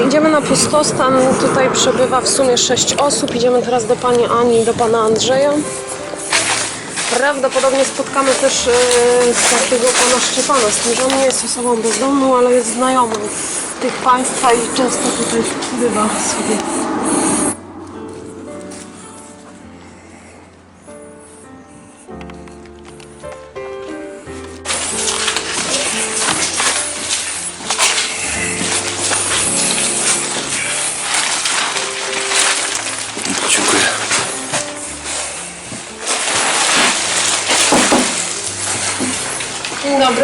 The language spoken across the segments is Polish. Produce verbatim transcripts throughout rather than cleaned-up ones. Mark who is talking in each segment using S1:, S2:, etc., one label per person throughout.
S1: Idziemy na pustostan, tutaj przebywa w sumie sześć osób. Idziemy teraz do pani Ani i do pana Andrzeja. Prawdopodobnie spotkamy też yy, takiego pana Szczepana, z tym, że on nie jest osobą bezdomną, ale jest znajomym tych państwa i często tutaj bywa sobie.
S2: Dziękuję.
S1: Dzień dobry.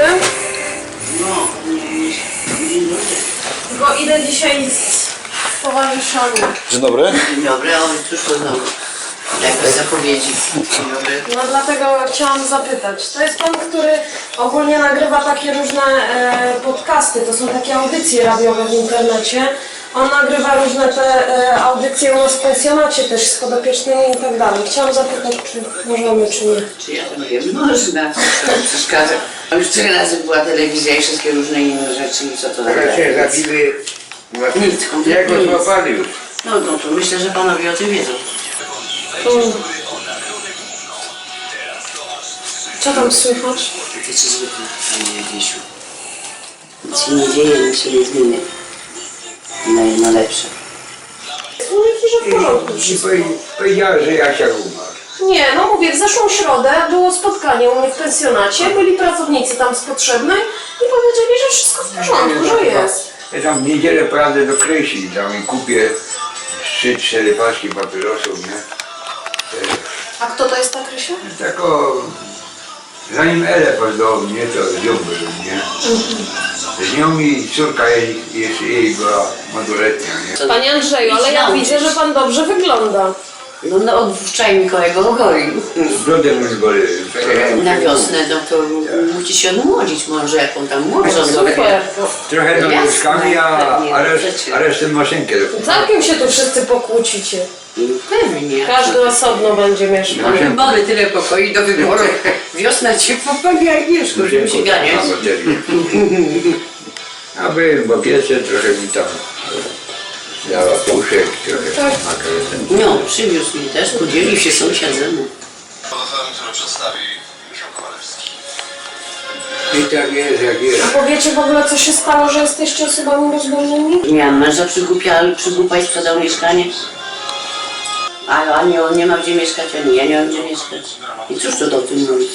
S1: Tylko idę dzisiaj z towarzyszami.
S2: Dzień dobry.
S3: Dzień dobry, a on cóż to znowu? Jakaś zapowiedzi. Dzień dobry.
S1: No dlatego chciałam zapytać. To jest pan, który ogólnie nagrywa takie różne e, podcasty, to są takie audycje radiowe w internecie. On nagrywa różne te e, audycje u nas w pensjonacie też z podopiecznymi i tak dalej. Chciałam zapytać, czy możemy, czy nie.
S3: Czy ja to wiem? Można. To nie przeszkadza. A już tyle razy była telewizja i wszystkie różne inne rzeczy i co to
S4: Teraz
S3: nagle?
S4: się zabili,
S3: Nic, kompletnie
S4: jak go
S3: nic.
S4: złapali już.
S3: No, no to myślę, że panowie o tym wiedzą.
S1: Mm. Co tam słychać?
S3: Takie co zwykle, panie Wiesiu. Nic się nie dzieje, nic się nie zmienia. Na, na lepsze.
S1: Mówię ci, że w porządku.
S4: I powie- powiedziała, że Jasia umarł.
S1: Nie, no mówię, w zeszłą środę było spotkanie u mnie w pensjonacie, byli pracownicy tam z potrzebnej i powiedzieli, że wszystko w porządku, że jest.
S4: Ja tam w niedzielę pojadę do Krysi, tam i kupię trzy, cztery paczki papierosów, nie?
S1: A kto to jest ta Krysia?
S4: Tak o... Zanim Elę poznał mnie, to z nią był, nie? Z nią i córka jej, jeszcze jej była małoletnia, nie?
S1: Panie Andrzeju, ale ja widzę, że pan dobrze wygląda.
S3: No, no od wczoraj Mikołajego ogolił.
S4: Z brodem już go
S3: Na wiosnę, no to musi się odmłodzić może, jak on tam młodzi.
S1: Super.
S4: trochę do
S3: Jasne,
S4: mieszkami, a,
S3: pewnie,
S4: a, reszt,
S3: przecież.
S4: a resztę maszynkę.
S1: Całkiem się tu wszyscy pokłócicie.
S3: Pewnie.
S1: Każdy osobno będzie mieszkał.
S3: Mamy tyle pokoi do wyboru. Wiosna cię popełnia Agnieszko, żeby się ganiać.
S4: A byłem w opiece, trochę mi tam dała puszek, trochę
S1: Tak.
S4: makaron.
S3: No, przywiózł mi też, podzielił się sąsiad ze mną.
S2: Portfelem, który przedstawi Michał Kowalewski.
S4: I tak jest, jak jest.
S1: A powiecie w ogóle, co się stało, że jesteście osobami bezdomnymi?
S3: Miałam męża przygłupia, przygłupa i sprzedał mieszkanie. A ani on nie ma gdzie mieszkać, ani ja nie mam gdzie mieszkać. I cóż tu o tym mówić?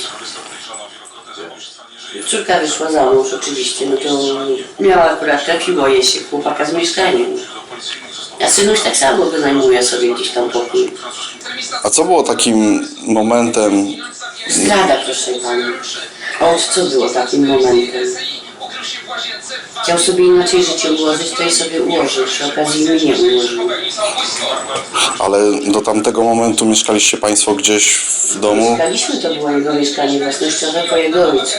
S3: Córka wyszła za mąż oczywiście, no to miała akurat trafiło jej się chłopaka z mieszkaniem. A synuś tak samo wynajmuje sobie gdzieś tam pokój.
S2: A co było takim momentem?
S3: Zdrada, proszę pani. Otóż co było takim momentem? Chciał sobie inaczej życie ułożyć, to i sobie ułożył. Przy okazji mnie nie ułożył.
S2: Ale do tamtego momentu mieszkaliście państwo gdzieś w domu?
S3: Mieszkaliśmy, to było jego mieszkanie własnościowe po jego ojcu.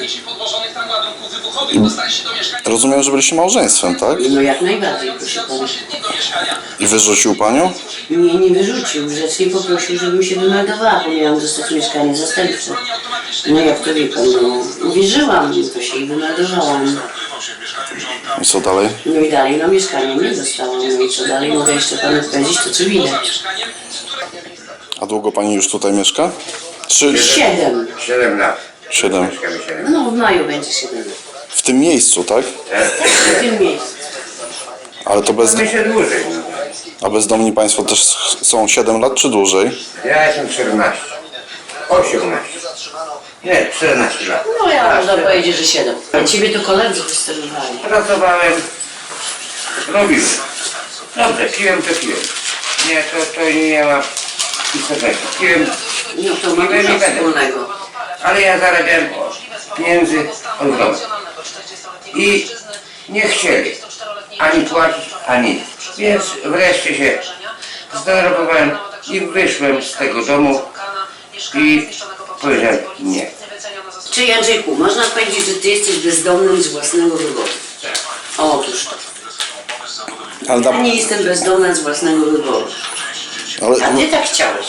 S2: Rozumiem, że byliście małżeństwem, tak?
S3: No jak najbardziej, proszę pana.
S2: I wyrzucił panią?
S3: Mnie nie wyrzucił, grzecznie poprosił, żebym się wymeldowała, bo miałam dostać mieszkanie zastępcze. No jak to wie pan, no uwierzyłam, to się i wymeldowałam.
S2: I co dalej?
S3: No i dalej, no mieszkanie nie dostałam, no i co dalej mogę jeszcze panu powiedzieć, to co widać.
S2: A długo pani już tutaj mieszka? Czy
S3: Siedem.
S4: Siedem lat.
S2: siedem?
S4: Mieszkamy siedem.
S3: No w maju będzie siedem.
S2: W tym miejscu, tak?
S3: W tym miejscu.
S2: Ale to bez...
S4: My się dłużej. No.
S2: A bezdomni państwo też są siedem lat czy dłużej?
S4: Ja jestem czternaście. osiemnaście. Nie, czternaście lat.
S3: No ja można powiedzieć, że siedem. A ciebie to koledzy wysterowali.
S4: Pracowałem, robiłem. Dobrze, piłem to piłem. Nie, to, to nie ma istotnego. Piłem,
S3: No to ma
S4: Piłem i
S3: dużo
S4: będę.
S3: wspólnego.
S4: ale ja zarabiałem pieniędzy od domu. I nie chcieli ani płacić, ani nic. Więc wreszcie się zdenerwowałem i wyszłem z tego domu i powiedziałem nie.
S3: Czyli Andrzejku, można powiedzieć, że ty jesteś bezdomnym z własnego wyboru. Otóż to.
S2: Ale,
S3: Ja
S2: da,
S3: nie jestem bezdomna z własnego wyboru.
S2: ale
S3: A ty tak chciałeś.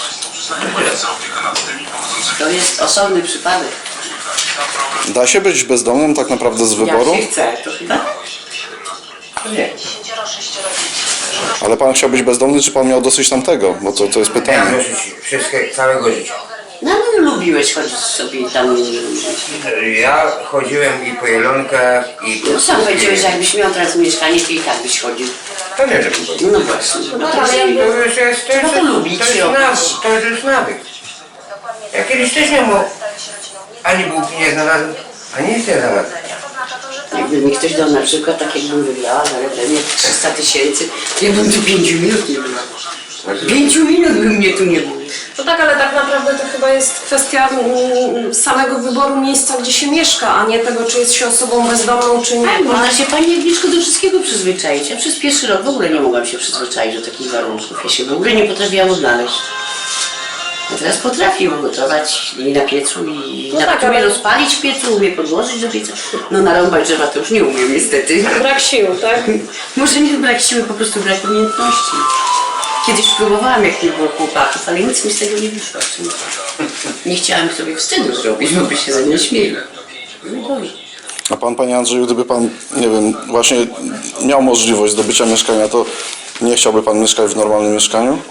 S3: To jest osobny przypadek.
S2: da się być bezdomnym tak naprawdę z wyboru?
S3: Jak się chce, to chyba.
S4: Nie.
S5: Dziesięcioro, sześcioro dzieci.
S2: Ale pan chciał być bezdomny, czy pan miał dosyć tamtego? Bo to, to jest
S4: Miałem
S2: pytanie.
S4: dosyć wszystkie, całego życia.
S3: No ale lubiłeś chodzić sobie tam.
S4: Ja chodziłem i po Jelonkach, i po...
S3: No sam powiedziałeś, że jakbyś miał teraz mieszkanie, to i tak byś chodził.
S4: To nie żeby chodzić.
S3: No właśnie. No to
S4: To już jest, to
S3: Trzeba
S4: jest,
S3: to lubić
S4: to jest
S3: robić.
S4: nawyk, to jest już nawyk. Ja kiedyś też nie mógł, ani bułki nie znalazłem, ani nic nie znalazłem.
S3: Jakby mi ktoś dał na przykład, tak jakbym wygrała, ale pewnie trzysta tysięcy, ja bym tu pięciu minut nie była. Pięciu minut by mnie tu nie było.
S1: No tak, ale tak naprawdę to chyba jest kwestia mm, samego wyboru miejsca, gdzie się mieszka, a nie tego, czy jest się osobą bezdomną, czy nie.
S3: Tak, można się Pani Agnieszko do wszystkiego przyzwyczaić. Ja przez pierwszy rok w ogóle nie mogłam się przyzwyczaić do takich warunków. Ja się w ogóle nie potrafiłam odnaleźć. A teraz potrafię ugotować i na piecu, i
S1: No
S3: na
S1: tak,
S3: umie
S1: ale-
S3: rozpalić w piecu, umie podłożyć do pieca. No narąbać drzewa to już nie umiem niestety.
S1: Brak sił, tak?
S3: Może nie brak siły, po prostu brak umiejętności. Kiedyś próbowałam, jak nie było chłopaków, ale nic mi z tego nie wyszło. Nie chciałam sobie wstydu zrobić, bo by się ze mnie śmieli. No dobrze.
S2: A pan, panie Andrzeju, gdyby pan, nie wiem, właśnie miał możliwość zdobycia mieszkania, to nie chciałby pan mieszkać w normalnym mieszkaniu?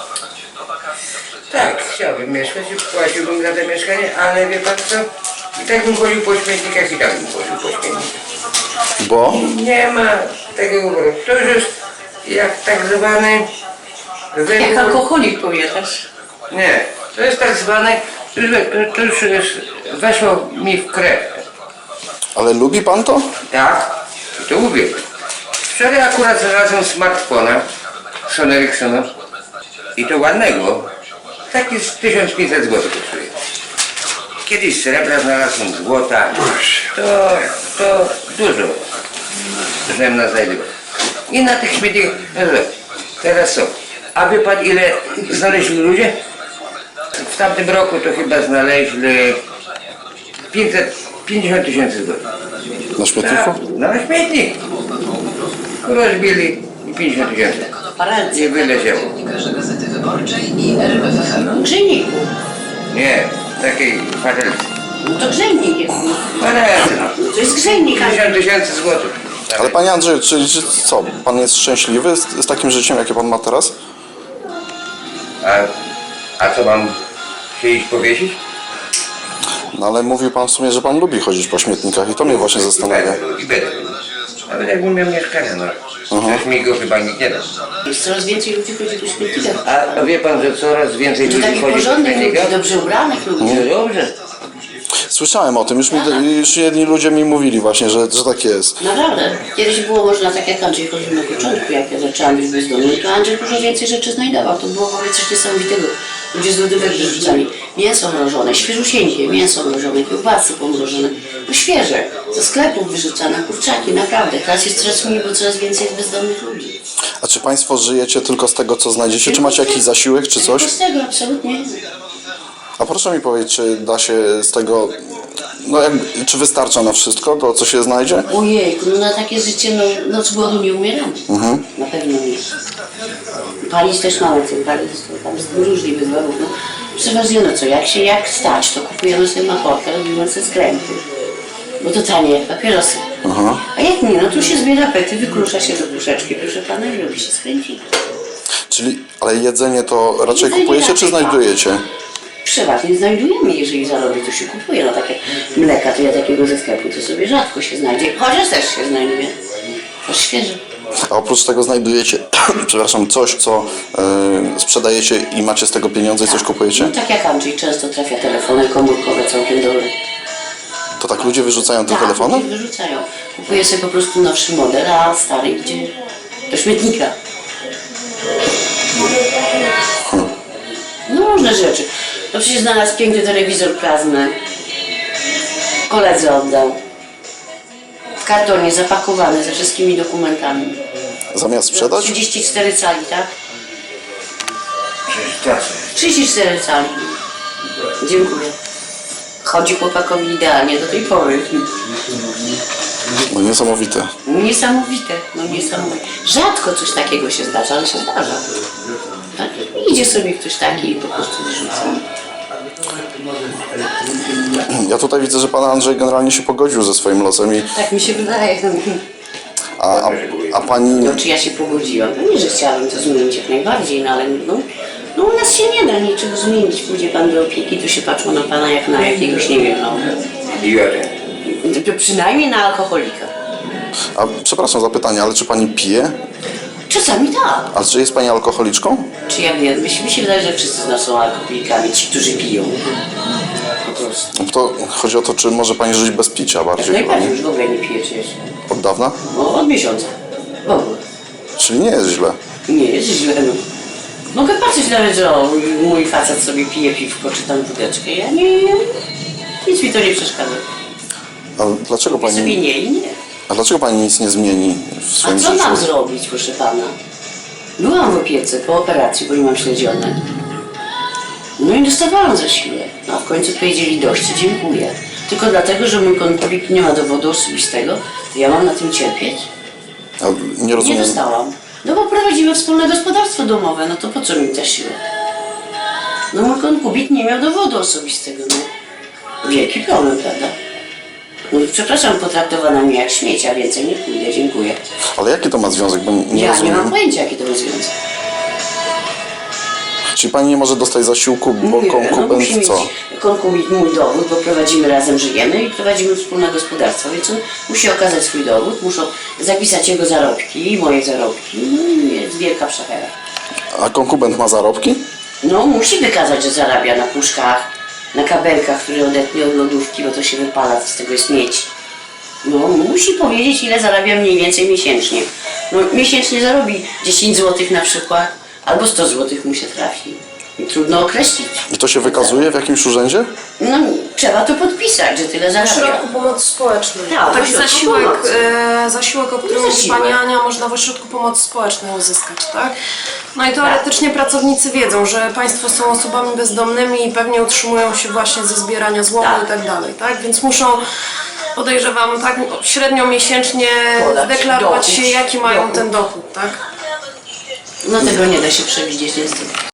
S4: Tak, chciałbym mieszkać i płaciłbym za to mieszkanie, ale wie pan co? I tak bym chodził po śmietnikach i tak bym chodził po śmietnikach.
S2: Bo?
S4: Nie ma takiego wyboru. To już jest jak tak zwany
S3: Jak
S4: wybór.
S3: alkoholik powiadasz.
S4: Nie, to jest tak zwany, to już, to już jest, weszło mi w krew.
S2: Ale lubi pan to?
S4: Tak, i to mówię. Wczoraj akurat znalazłem smartfona Sony Ericssona i to ładnego. Taki z tysiąc pięćset złotych kosztuje. Kiedyś srebra znalazłem, złota. To, to dużo, żebym na znajdywał. I na tych śmietnikach, no dobra, teraz co? A wie pan ile znaleźli ludzie? W tamtym roku to chyba znaleźli pięćset pięćdziesiąt tysięcy złotych.
S2: Na śmietniku?
S4: Tak, no na śmietnik. Rozbili i pięćdziesiąt tysięcy.
S3: Paradzy.
S4: Nie wyleciało.
S5: Gazety Wyborczej i R M F F M.
S3: Grzejniku.
S4: Nie, takiej patelki.
S3: No to grzejnik jest.
S4: Patelki.
S3: No to jest grzejnik. a-
S4: pięćdziesiąt tysięcy złotych.
S2: Ale panie Andrzeju, czy, czy co, pan jest szczęśliwy z, z takim życiem, jakie pan ma teraz?
S4: A, a co mam się iść powiesić?
S2: No ale mówił pan w sumie, że pan lubi chodzić po śmietnikach i to mnie właśnie zastanawia.
S4: I będę. Nawet jakbym miał mieszkanie, no. Przecież mi go chyba nikt nie da.
S3: Jest coraz więcej ludzi chodzi po śmietnikach.
S4: A, a wie pan, że coraz więcej
S3: To
S4: ludzi
S3: takich
S4: chodzi po
S3: porządnych ludzi,
S4: śmietnikach?
S3: dobrze ubranych ludzi.
S4: No dobrze.
S2: Słyszałem o tym, już, mi, już jedni ludzie mi mówili właśnie, że, że tak jest.
S3: Naprawdę. Kiedyś było można tak jak Andrzej chodził na początku, jak ja zaczęłam być bezdomny, to Andrzej dużo więcej rzeczy znajdował. To było w ogóle coś niesamowitego. Ludzie z lodówek wyrzucali mięso mrożone, świeżusieńkie, mięso mrożone, kiełbasy pomrożone. No świeże. Ze sklepów wyrzucane, kurczaki, naprawdę. Teraz jest coraz mniej, bo coraz więcej jest bezdomnych ludzi.
S2: A czy państwo żyjecie tylko z tego, co znajdziecie? Czy macie jakiś zasiłek, czy coś?
S3: Tylko z tego, absolutnie.
S2: A proszę mi powiedzieć, czy da się z tego, no jak, czy wystarcza na wszystko, to co się znajdzie?
S3: Ojejku, no na takie życie, no, no z głodu nie umieramy. Na pewno nie. Palić też mamy co palić, to tam z różnych wyborów. No, przeważnie no co, jak się jak stać, to kupujemy sobie maporkę, robimy sobie skręty. Bo to tanie jak papierosy. A jak nie, no tu się zbiera pety, wykrusza się do puszeczki, proszę pana, i robi się skręcik.
S2: Czyli, ale jedzenie to raczej
S3: Jedzenie
S2: kupujecie, czy
S3: raczej,
S2: znajdujecie?
S3: Przeważnie znajdujemy, jeżeli zarobi, to się kupuje. No takie mleka, to ja takiego ze sklepu to sobie rzadko się znajdzie, chociaż też się znajduje. To świeże.
S2: A oprócz tego znajdujecie, przepraszam, coś, co y, sprzedajecie i macie z tego pieniądze i coś kupujecie?
S3: No, tak jak Andrzej, często trafia telefony komórkowe całkiem dobre.
S2: To tak ludzie wyrzucają te
S3: Tak,
S2: telefony?
S3: ludzie wyrzucają. Kupuje sobie po prostu nowszy model, a stary idzie do śmietnika. No różne rzeczy. No przecież znalazł piękny telewizor plazmy. Koledze oddał. W kartonie zapakowany ze wszystkimi dokumentami.
S2: Zamiast sprzedać?
S3: trzydzieści cztery cali, tak?
S4: Przecież tacy.
S3: trzydzieści cztery cali. Dziękuję. Chodzi chłopakowi idealnie do tej pory.
S2: No niesamowite.
S3: Niesamowite, no niesamowite. Rzadko coś takiego się zdarza, ale się zdarza. Tak? Idzie sobie ktoś taki i po prostu wyrzuca.
S2: Ja tutaj widzę, że pan Andrzej generalnie się pogodził ze swoim losem i
S3: Tak mi się wydaje.
S2: A, a, a pani...
S3: No czy ja się pogodziłam? Pewnie, że chciałabym to zmienić jak najbardziej, no ale no, no u nas się nie da niczego zmienić. Pójdzie pan do opieki, to się patrzą na pana jak na jakiegoś, nie wiem, no...
S4: Idiotę.
S3: To przynajmniej na alkoholika.
S2: A, przepraszam za pytanie, ale czy pani pije?
S3: Czasami tak.
S2: A czy jest pani alkoholiczką?
S3: Czy ja wiem, mi się, mi się wydaje, że wszyscy z nas są alkoholikami, ci, którzy piją. Po prostu.
S2: To chodzi o to, czy może pani żyć bez picia
S3: Jak
S2: bardziej chyba,
S3: najbardziej
S2: nie?
S3: już w ogóle nie piję przecież.
S2: Od dawna?
S3: No, od miesiąca. W ogóle.
S2: Czyli nie jest źle.
S3: Nie jest źle, no. Mogę patrzeć nawet, że o, mój facet sobie pije piwko czy tam wódeczkę. Ja nie, nic mi to nie przeszkadza.
S2: A dlaczego
S3: Ja sobie
S2: pani...
S3: nie i nie.
S2: A dlaczego pani nic nie zmieni w
S3: A
S2: swoim
S3: co
S2: życiu?
S3: mam zrobić, proszę pana? Byłam w opiece po operacji, bo nie mam śledzione. No i dostawałam zasiłek. No a w końcu powiedzieli dość, dziękuję. Tylko dlatego, że mój konkubik nie ma dowodu osobistego, to ja mam na tym cierpieć?
S2: A nie
S3: Nie
S2: rozumiem.
S3: dostałam. No bo prowadzimy wspólne gospodarstwo domowe, no to po co mi zasiłek? No mój konkubik nie miał dowodu osobistego, no. Wielki problem, prawda? No i przepraszam, potraktowana mnie jak śmiecia, więcej nie pójdę, dziękuję.
S2: Ale jaki to ma związek? Bo nie
S3: Ja nie
S2: rozumiem.
S3: mam pojęcia, jaki to ma związek.
S2: Czyli pani nie może dostać zasiłku, bo
S3: Nie, no
S2: konkubent
S3: musi mieć
S2: co?
S3: konkubit mój dowód, bo prowadzimy razem, żyjemy i prowadzimy wspólne gospodarstwo, więc on musi okazać swój dowód, muszą zapisać jego zarobki i moje zarobki, no i jest wielka przechera.
S2: A konkubent ma zarobki?
S3: No musi wykazać, że zarabia na puszkach, na kabelkach, które odetnie od lodówki, bo to się wypala, z tego jest miedź. No musi powiedzieć, ile zarabia mniej więcej miesięcznie. No miesięcznie zarobi dziesięć złotych na przykład, albo sto złotych mu się trafi. I trudno określić.
S2: I to się wykazuje w jakimś urzędzie?
S3: No trzeba to podpisać, że tyle
S1: W
S3: zarabia.
S1: środku pomocy społecznej.
S3: Tak, w
S1: Taki
S3: ośrodku
S1: zasiłek,
S3: pomocy.
S1: e, zasiłek, o którym mówi
S3: Zasiłek.
S1: Pani Ania, można w ośrodku pomocy społecznej uzyskać, tak? No i teoretycznie pracownicy wiedzą, że Państwo są osobami bezdomnymi i pewnie utrzymują się właśnie ze zbierania złomu
S3: Tak.
S1: i tak dalej, tak? Więc muszą, podejrzewam, tak średnio miesięcznie
S3: Podać
S1: deklarować
S3: dochód.
S1: się, jaki mają
S3: Dochód.
S1: ten dochód, tak?
S3: No tego nie da się przewidzieć niestety.